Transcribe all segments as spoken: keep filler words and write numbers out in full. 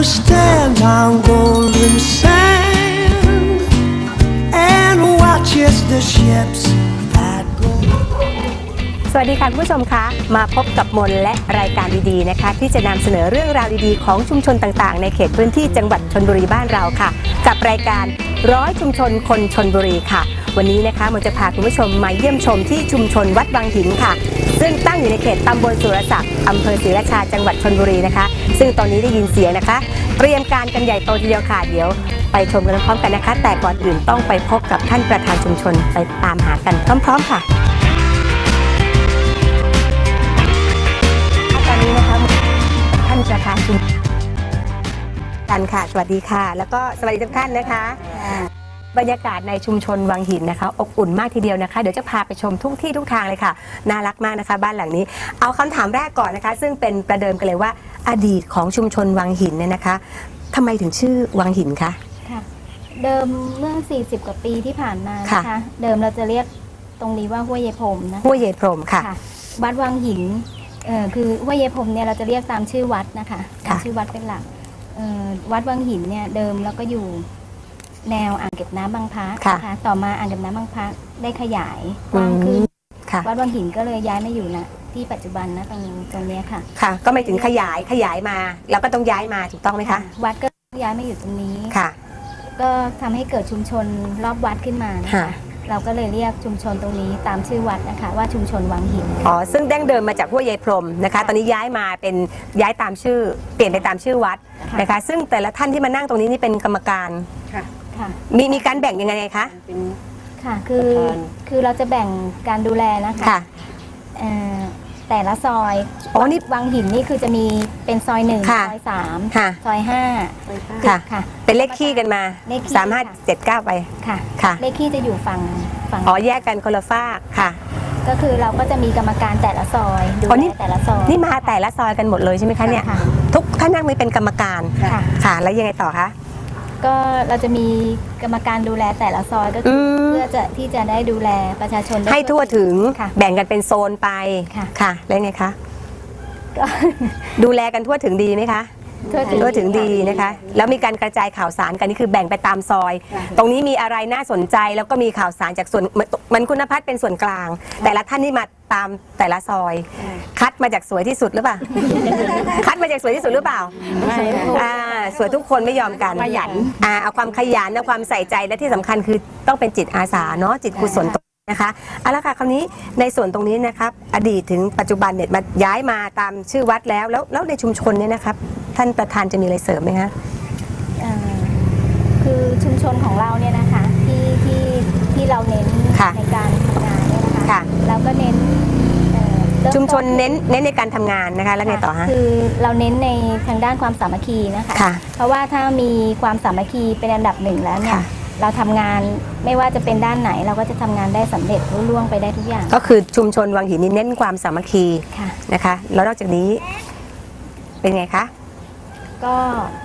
stand on golden sand and watch as the ships that go สวัสดีค่ะคุณผู้ชมคะมาพบกับมนและรายการดีๆนะคะที่จะนำเสนอเรื่องราวดีๆของชุมชนต่างๆในเขตพื้นที่จังหวัดชลบุรีบ้านเราค่ะกับรายการร้อยชุมชนคนชลบุรีค่ะวันนี้นะคะมนจะพาคุณผู้ชมมาเยี่ยมชมที่ชุมชนวัดวังหินค่ะซึ่งตั้งอยู่ในเขตตำบลสุรศักดิ์อำเภอศรีราชาจังหวัดชลบุรีนะคะซึ่งตอนนี้ได้ยินเสียงนะคะเตรียมการกันใหญ่โตทีเดียวค่ะเดี๋ยวไปชมกันพร้อมกันนะคะแต่ก่อนอื่นต้องไปพบกับท่านประธานชุมชนไปตามหากันพร้อมๆค่ะตอนนี้นะคะท่านประธานชุมชนกันค่ะสวัสดีค่ะแล้วก็สวัสดีทุกท่านนะคะบรรยากาศในชุมชนวังหินนะคะอบอุ่นมากทีเดียวนะคะเดี๋ยวจะพาไปชมทุกที่ทุกทางเลยค่ะน่ารักมากนะคะบ้านหลังนี้เอาคำถามแรกก่อนนะคะซึ่งเป็นประเดิมกันเลยว่าอดีตของชุมชนวังหินเนี่ยนะคะทำไมถึงชื่อวังหินคะค่ะเดิมเมื่อสี่สิบกว่าปีที่ผ่านมานะคะเดิมเราจะเรียกตรงนี้ว่าห้วยเยพรมนะห้วยเยพรมค่ะวัดวังหินเอ่อคือห้วยเยพรมเนี่ยเราจะเรียกตามชื่อวัดนะคะตามชื่อวัดเป็นหลักเอ่อวัดวังหินเนี่ยเดิมเราก็อยู่แนวอ่างเก็บน้ำบางพระนะคะต่อมาอ่างเก็บน้ำบางพระได้ขยายกว้างขึ้นวัดวังหินก็เลยย้ายมาอยู่นะที่ปัจจุบันนะตรงตรงนี้ค่ะค่ะก็ไม่ถึงขยายขยายมาแล้วก็ต้องย้ายมาถูกต้องไหมคะวัดก็ย้ายมาอยู่ตรงนี้ค่ะก็ทำให้เกิดชุมชนรอบวัดขึ้นมานะคะเราก็เลยเรียกชุมชนตรงนี้ตามชื่อวัดนะคะว่าชุมชนวังหินอ๋อซึ่งดั้งเดิมมาจากห้วยเยพรมนะคะตอนนี้ย้ายมาเป็นย้ายตามชื่อเปลี่ยนไปตามชื่อวัดนะคะซึ่งแต่ละท่านที่มานั่งตรงนี้นี่เป็นกรรมการค่ะมีมีการแบ่งยังไงคะค่ะคือคือเราจะแบ่งการดูแลนะคะแต่ละซอยอ๋อนี่วังหินนี่คือจะมีเป็นซอยหนึ่งซอยสามซอยห้าค่ะค่ะเป็นเลขขี้กันมาสามห้าเจ็ดเก้าไปค่ะค่ะเลขขี้จะอยู่ฝั่งฝั่งอ๋อแยกกันคนละฝากค่ะก็คือเราก็จะมีกรรมการแต่ละซอยดูแลแต่ละซอยนี่มาแต่ละซอยกันหมดเลยใช่ไหมคะเนี่ยทุกท่านนั่งมีเป็นกรรมการค่ะแล้วยังไงต่อคะก็เราจะมีกรรมการดูแลแต่ละซอยก็คือเพื่อจะที่จะได้ดูแลประชาชนให้ทั่วถึงแบ่งกันเป็นโซนไปค่ะแล้วไงคะก็ดูแลกันทั่วถึงดีไหมคะทั่วถึงดีนะคะแล้วมีการกระจายข่าวสารกันนี่คือแบ่งไปตามซอยตรงนี้มีอะไรน่าสนใจแล้วก็มีข่าวสารจากส่วนมันคุณพัฒน์เป็นส่วนกลางแต่ละท่านนี่มาตามแต่ละซอยคัดมาจากสวยที่สุดหรือเปล่าคัดมาจากสวยที่สุดหรือเปล่าอ่าสวยทุกคนไม่ยอมกันขยันอ่าเอาความขยันเอาความใส่ใจและที่สำคัญคือต้องเป็นจิตอาสาเนาะจิตกุศลนะคะเอาละค่ะคราวนี้ในส่วนตรงนี้นะครับอดีตถึงปัจจุบันเนี่ยมาย้ายมาตามชื่อวัดแล้วแล้วแล้วในชุมชนเนี่ยนะครับท่านประธานจะมีอะไรเสริมไหมคะคือชุมชนของเราเนี่ยนะคะที่ที่ที่เราเน้นในการทำงานเนี่ยนะคะเราก็เน้นชุมชนเน้นเน้นในการทำงานนะคะแล้วไงต่อฮะคือเราเน้นในทางด้านความสามัคคีนะคะเพราะว่าถ้ามีความสามัคคีเป็นอันดับหนึ่งแล้วเนี่ยเราทำงานไม่ว่าจะเป็นด้านไหนเราก็จะทำงานได้สำเร็จรุ่ล่วงไปได้ทุกอย่างก็คือชุมชนวังหินนี่เน้นความสามัคคีนะคะแล้วนอกจากนี้เป็นไงคะก็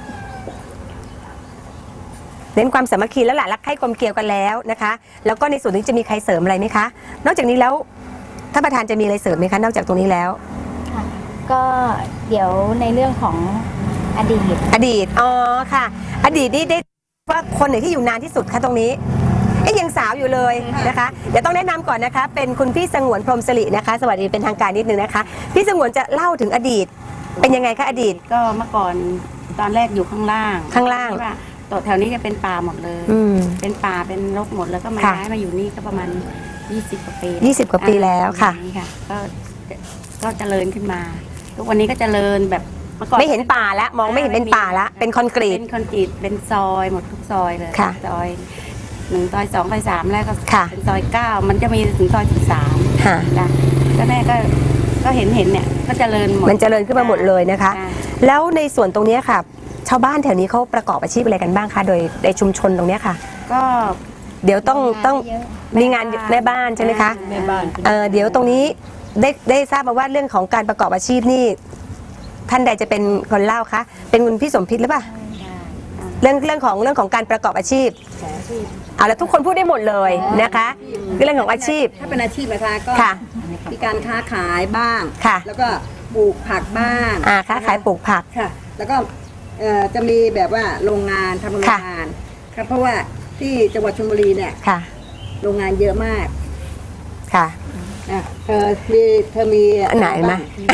เน้นความสามัคคีแล้วหละรักใคร่กลมเกลียวกันแล้วนะคะแล้วก็ในส่วนนี้จะมีใครเสริมอะไรไหมคะนอกจากนี้แล้วท่านประธานจะมีอะไรเสริมไหมคะนอกจากตรงนี้แล้วค่ะก็เดี๋ยวในเรื่องของอดีตอดีตอ๋อค่ะอดีตนี่ได้ว่าคนไหนที่อยู่นานที่สุดคะตรงนี้เอ๊ยยังสาวอยู่เลยนะคะเดี๋ยวต้องแนะนำก่อนนะคะเป็นคุณพี่สงวนพรหมสิรินะคะสวัสดีเป็นทางการนิดนึงนะคะพี่สงวนจะเล่าถึงอดีตเป็นยังไงคะอดีตก็เมื่อก่อนตอนแรกอยู่ข้างล่างข้างล่างตัวแถวนี้จะเป็นป่าหมดเลยเป็นป่าเป็นรกหมดแล้วก็มาย้ายมาอยู่นี่ก็ประมาณยี่สิบกว่าปียี่สิบกว่าปีแล้วค่ะก็ก็เจริญขึ้นมาทุกวันนี้ก็เจริญแบบไม่เห็นป่าแล้วมองไม่เห็นเป็นป่าแล้วเป็นคอนกรีตเป็นคอนกรีตเป็นซอยหมดทุกซอยเลยซอยหนึ่งซอยสองซอยสามแล้วก็เป็นซอยเก้ามันจะมีถึงซอยสิบสามค่ะก็แม่ก็ก็เห็นเห็นเนี่ยก็เจริญหมดมันเจริญขึ้นมาหมดเลยนะคะแล้วในส่วนตรงนี้ค่ะชาวบ้านแถวนี้เขาประกอบอาชีพอะไรกันบ้างคะโดยในชุมชนตรงนี้ค่ะก็เดี๋ยวต้องต้องมีงานแม่บ้านใช่ไหมคะแม่บ้านเออเดี๋ยวตรงนี้ได้ได้ทราบมาว่าเรื่องของการประกอบอาชีพนี่ท่านใดจะเป็นคนเล่าคะเป็นคุณพี่สมพิษหรือเปล่าเรื่องเรื่องของเรื่องของการประกอบอาชีพเอาแล้วทุกคนพูดได้หมดเลยนะคะเรื่องของอาชีพถ้าเป็นอาชีพนะคะก็มีการค้าขายบ้างแล้วก็ปลูกผักบ้างอ่าค้าขายปลูกผักค่ะแล้วก็เอ่อจะมีแบบว่าโรงงานทำโรงงานครับเพราะว่าที่จังหวัดชลบุรีเนี่ยค่ะโรงงานเยอะมากค่ะอ่ะเธอมีเธอมีอันไหนไหม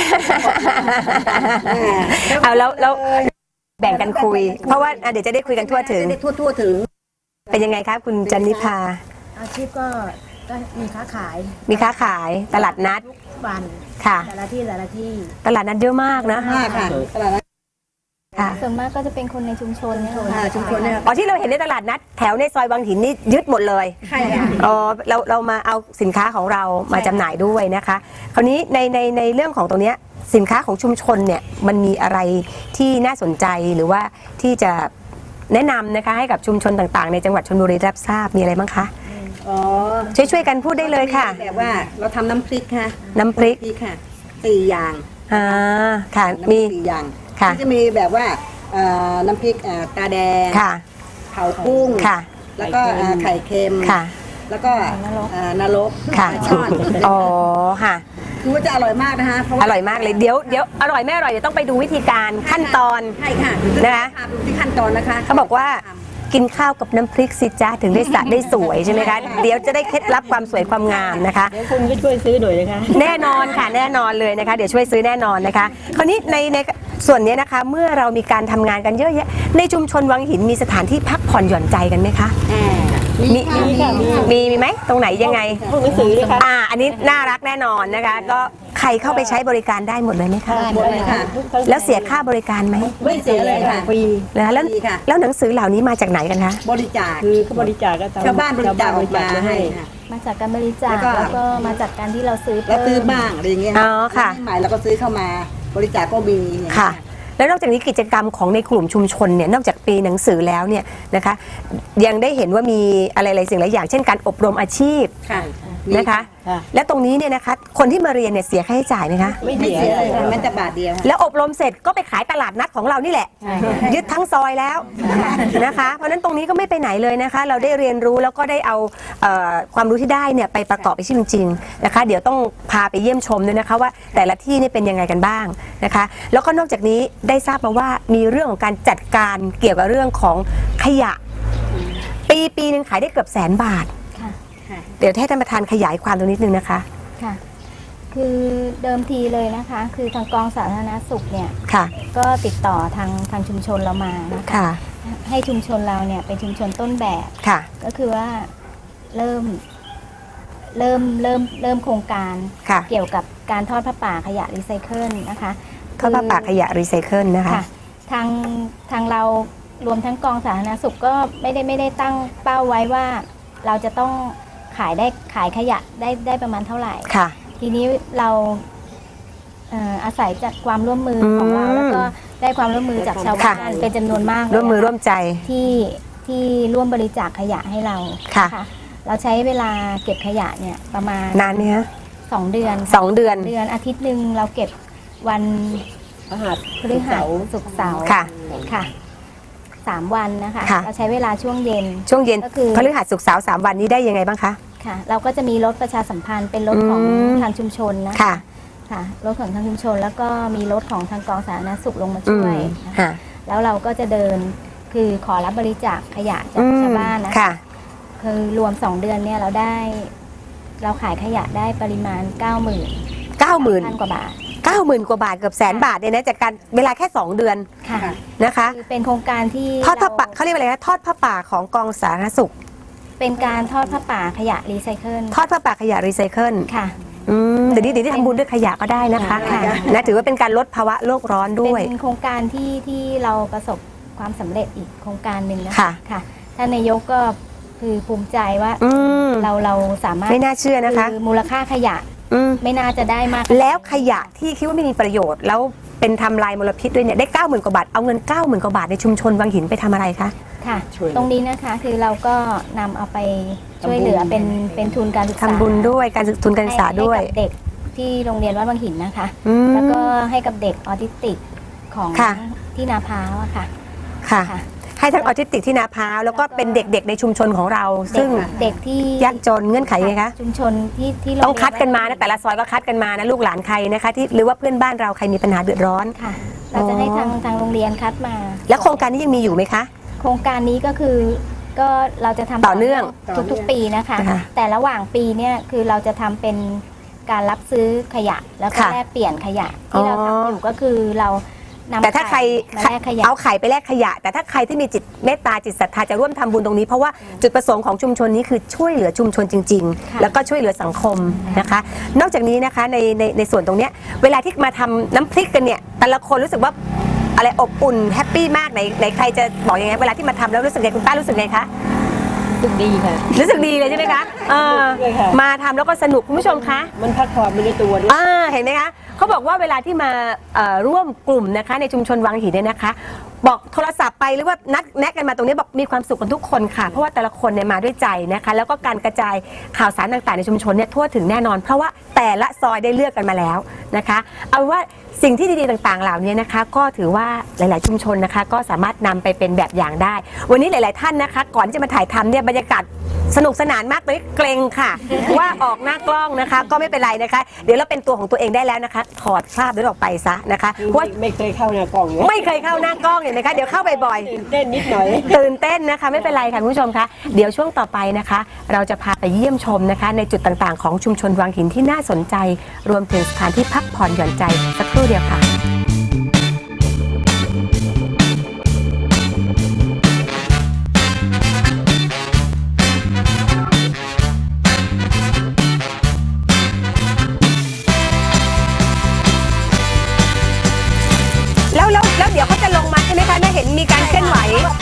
เอาแล้วแล้วแบ่งกันคุย เพราะว่าอ่ะเดี๋ยวจะได้คุยกันทั่วถึงได้ทั่วทั่วถึงเป็นยังไงคะคุณจันนิพาอาชีพก็ก็มีค้าขายมีค้าขายตลาดนัดทุกวันค่ะแต่ละที่แต่ละที่ตลาดนัดเยอะมากนะมากค่ะตลาดนัดค่ะส่วนมากก็จะเป็นคนในชุมชนเนี่ยอ่าชุมชนเนี่ยอ๋อที่เราเห็นในตลาดนัดแถวในซอยวังหินนี่ยึดหมดเลยใช่ค่ะอ๋อเราเรามาเอาสินค้าของเรามาจำหน่ายด้วยนะคะ คราวนี้ในในในเรื่องของตรงเนี้ยสินค้าของชุมชนเนี่ยมันมีอะไรที่น่าสนใจหรือว่าที่จะแนะนำนะคะให้กับชุมชนต่างๆในจังหวัดชลบุรีรับทราบมีอะไรบ้างคะอ๋อช่วยช่วยกันพูดได้เลยค่ะแบบว่าเราทำน้ำพริกค่ะน้ำพริกพริกค่ะสี่อย่างอ่าค่ะน้ำพมีริกสี่อย่างค่ะที่จะมีแบบว่าเอ่อน้ำพริกเอ่อตาแดงค่ะเผากุ้งค่ะแล้วก็เอ่อไข่เค็มค่ะแล้วก็เอ่อนรกค่ะช่อนอ๋อค่ะคือว่าจะอร่อยมากนะคะเพราะอว่าร่อยมากเลยเดี๋ยวเดี๋ยวอร่อยไม่อร่อยเดี๋ยวต้องไปดูวิธีการขั้นตอนใช่ค่ะนะคะพาไปดูที่ขั้นตอนนะคะเขาบอกว่ากินข้าวกับน้ำพริกสิจ้าถึงได้สระได้สวยใช่ไหมคะเดี๋ยวจะได้เคล็ดลับความสวยความงามนะคะเดี๋ยวคุณก็ช่วยซื้อหน่อยนะคะแน่นอนค่ะแน่นอนเลยนะคะ เดี๋ยวช่วยซื้อแน่นอนนะคะ คราวนี้ในในส่วนนี้นะคะ เมื่อเรามีการทำงานกันเยอะแยะในชุมชนวังหินมีสถานที่พักผ่อนหย่อนใจกันไหมคะอ่ามีมีมีไหมตรงไหนยังไงพวกหนังสือเลยค่ะอ่าอันนี้น่ารักแน่นอนนะคะ ก็ใครเข้าไปใช้บริการได้หมดเลยไหมคะหมดเลยค่ะแล้วเสียค่าบริการไหมไม่เสียเลยค่ะฟรีนะคะแล้วดีค่ะแล้วหนังสือเหล่านี้มาจากไหนกันคะบริจาคคือเขาบริจาคก็ตมชาวบ้านบริจาคออกมาให้ค่ะมาจากการบริจาคแล้วก็แล้วก็มาจากการที่เราซื้อแล้วเพิ่ซื้อมบ้างอะไรอย่างเงี้ยอ๋อค่ะใหม่แล้วก็ซื้อเข้ามาบริจาคก็มีอย่างเงี้ยค่ะ แล้วนอกจากนี้กิจกรรมของในกลุ่มชุมชนเนี่ยนอกจากปีหนังสือแล้วเนี่ยนะคะยังได้เห็นว่ามีอะไรหลายสิ่งหลายอย่างเช่นการอบรมอาชีพค่ะนะคะค่ะและตรงนี้เนี่ยนะคะคนที่มาเรียนเนี่ยเสียค่าใช้จ่ายไหมคะไม่ไม่เสีเสียยเลยค่ะแม้แต่บาทเดียวค่ะแล้วอบรมเสร็จก็ไปขายตลาดนัดของเรานี่แหละ ยึดทั้งซอยแล้วนะคะ เพราะฉะนั้นตรงนี้ก็ไม่ไปไหนเลยนะคะ เราได้เรียนรู้แล้วก็ได้เอาเอ่อความรู้ที่ได้เนี่ยไปประกอบอาชีพจริงๆนะคะ เดี๋ยวต้องพาไปเยี่ยมชมด้วยนะคะว่าแต่ละที่นี่เป็นยังไงกันบ้างนะคะ แล้วก็นอกจากนี้ได้ทราบมาว่ามีเรื่องของการจัดการเกี่ยวกับเรื่องของขยะ ปีปีหนึ่งขายได้เกือบแสนบาทค่ะเดี๋ยวให้ท่านประธานขยายความตรงนิดนึงนะคะค่ะ คือเดิมทีเลยนะคะ คือทางกองสาธารณสุขเนี่ยค่ะก็ติดต่อทางทางชุมชนเรามานะคะค่ะให้ชุมชนเราเนี่ยเป็นชุมชนต้นแบบค่ะก็คือว่าเริ่มเริ่มเริ่มเริ่มโครงการค่ะเกี่ยวกับการทอดผ้าป่าขยะรีไซเคิลนะคะเข้าผ้าป่าขยะรีไซเคิลนะคะค่ะทางทางเรารวมทั้งกองสาธารณสุขก็ไม่ได้ไม่ได้ตั้งเป้าไว้ว่าเราจะต้องขายได้ขายขยะได้ได้ประมาณเท่าไหร่ค่ะทีนี้เราเอ่ออาศัยจากความร่วมมืออมของเราแล้วก็ได้ความร่วมมือจากชาวบ้านค่ะเป็นจำนวนมากเลยร่วมมือนะคะร่วมใจที่ที่ร่วมบริจาคขยะให้เราค่ะเราใช้เวลาเก็บขยะเนี่ยประมาณนานไหมคะสองเดือนสองเดือนเดือนอาทิตย์หนึ่งเราเก็บวันรหัสพฤหัสศุกร์เสาร์ค่ะค่ะสามวันนะคะค่ะเราใช้เวลาช่วงเย็นช่วงเย็นก็คือพฤหัสศุกร์เสาร์สามวันนี้ได้ยังไงบ้างคะค่ะ เราก็จะมีรถประชาสัมพันธ์เป็นรถของอืมทางชุมชนนะค่ะค่ะรถของทางชุมชน แล้วก็มีรถของทางกองสาธารณสุขลงมาอืช่วมยนะคะค่ะแล้วเราก็จะเดินคือขอรับบริจาคขยะจากอืมชาวบ้านนะค่ะคือรวมสองเดือนเนี่ยเราได้ เราขายขยะได้ปริมาณ เก้าหมื่นเก้าหมื่นพันกว่าบาทเก้าหมื่นกว่าบาทเกือบแสนบาทเนี่ยนะจากการเวลาแค่สองเดือนค่ะนะคะคือเป็นโครงการที่ทอดผ้าป่าเรเขาเรียกว่าอะไรนะทอดผ้าป่าของกองสาธารณสุขเป็นการทอดผ้าป่าขยะรีไซเคิลทอดผ้าป่าขยะรีไซเคิลค่ะอืมเดี๋ยวนี้เดี๋ยวนี้ทำบุญด้วยขยะก็ได้นะคะค่ะนะถือว่าเป็นการลดภาวะโลกร้อนด้วยเป็นโครงการที่ที่เราประสบความสำเร็จอีกโครงการหนึ่งนะค่ะค่ะท่านนายกก็คือภูมิใจว่าอืมเราเราสามารถไม่น่าเชื่อนะคะคือมูลค่าขยะอืมไม่น่าจะได้มากแล้วขยะที่คิดว่าไม่มีประโยชน์ แล้วเป็นทำลายมลพิษด้วยเนี่ยได้เก้าหมื่นกว่าบาทเอาเงินเก้าหมื่นกว่าบาทในชุมชนวังหินไปทำอะไรคะค่ะช่วยตรงนี้นะคะคือเราก็นำเอาไปช่วยเหลือเป็นเป็นทุนการศึกษาทำบุญด้วยการศึกทุนการศึกษาด้วยให้กับเด็กที่โรงเรียนวัดวังหินนะคะอืมแล้วก็ให้กับเด็กออทิสติกของค่ะที่นาพร้าวอะค่ะค่ะค่ะให้ทั้งออทิสติกที่นาพร้าวแล้วก็เป็นเด็กๆในชุมชนของเรา ซึ่งเด็กที่ยากจนเงื่อนไขยังไงคะชุมชนที่ที่โรต้องเรียคัดกันมานะแต่ละซอยก็คัดกันมานะลูกหลานใครนะคะที่หรือว่าเพื่อนบ้านเราใครมีปัญหาเดือดร้อนค่ะเราจะให้ทางทางโรงเรียนคัดมาแล้วโครงการนี้ยังมีอยู่ไหมคะโครงการนี้ก็คือก็เราจะทำต่อเนื่องทุกๆปีนะคะนะคะแต่ระหว่างปีเนี่ยคือเราจะทำเป็นการรับซื้อขยะแล้วก็ค่ะแลกเปลี่ยนขยะที่เราทำอยู่ก็คือเรานำแต่ถ้าใครไข่มาแลกขยะเอาไข่ไปแลกขยะ แต่ถ้าใครที่มีจิตเมตตาจิตศรัทธาจะร่วมทำบุญตรงนี้เพราะว่าจุดประสงค์ของชุมชนนี้คือช่วยเหลือชุมชนจริงค่ะๆ แล้วก็ช่วยเหลือสังคมนะคะ นอกจากนี้นะคะในในในส่วนตรงเนี้ยเวลาที่มาทำน้ำพริกกันเนี่ยแต่ละคนรู้สึกว่าอะไรอบอุ่นแฮปปี้มากไหนไหนใครจะบอกยังไงเวลาที่มาทำแล้วรู้สึกไงคุณป้ารู้สึกไงคะรู้สึกดีค่ะรู้สึกดีเลยใช่ไหมคะเออด้วยค่ะมาทำแล้วก็สนุกคุณผู้ชมคะมันพักผ่อนไปในตัวด้วยอ่าเห็นไหมคะเขาบอกว่าเวลาที่มาเอ่อร่วมกลุ่มนะคะในชุมชนวังหินเนี่ยนะคะ บอกโทรศัพท์ไปหรือว่านัดแนะกันมาตรงนี้บอกมีความสุขกันทุกคนค่ะเพราะว่าแต่ละคนเนี่ยมาด้วยใจนะคะแล้วก็การกระจายข่าวสารต่างๆในชุมชนเนี่ยทั่วถึงแน่นอน เพราะว่าแต่ละซอยได้เลือกกันมาแล้วนะคะเอาเป็นว่าสิ่งที่ดีๆต่างๆเหล่านี้นะคะก็ถือว่าหลายๆชุมชนนะคะก็สามารถนำไปเป็นแบบอย่างได้ วันนี้หลาย ๆท่านนะคะก่อนที่จะมาถ่ายทำเนี่ยบรรยากาศสนุกสนานมากเลยเกรงค่ะ ว่าออกหน้ากล้องนะคะ ก็ไม่เป็นไรนะคะ เดี๋ยวเราเป็นตัวของตัวเองได้แล้วนะคะ ถอดคราบนั้นออกไปซะนะคะเพราะว่าไม่เคยเข้าในกล่องเลยไม่เคยเข้าหน้ากล้องเห็นไหมคะเดี๋ยวเข้าบ่อยตื่นเต้นนิดหน่อยๆตื่นเต้นนะคะ ไม่เป็นไรค่ะคุณผู้ชมคะเดี๋ยวช่วงต่อไปนะคะ เราจะพาไปเยี่ยมชมนะคะ ในจุดต่างๆของชุมชนวังหินที่น่าสนใจ รวมถึงสถานที่พักผ่อนหย่อนใจสักครู่เดียวค่ะ แล้วแล้วแล้วเดี๋ยวเขาจะลงมาใช่ไหมคะแม่เห็นมีการเคลื่อนไหว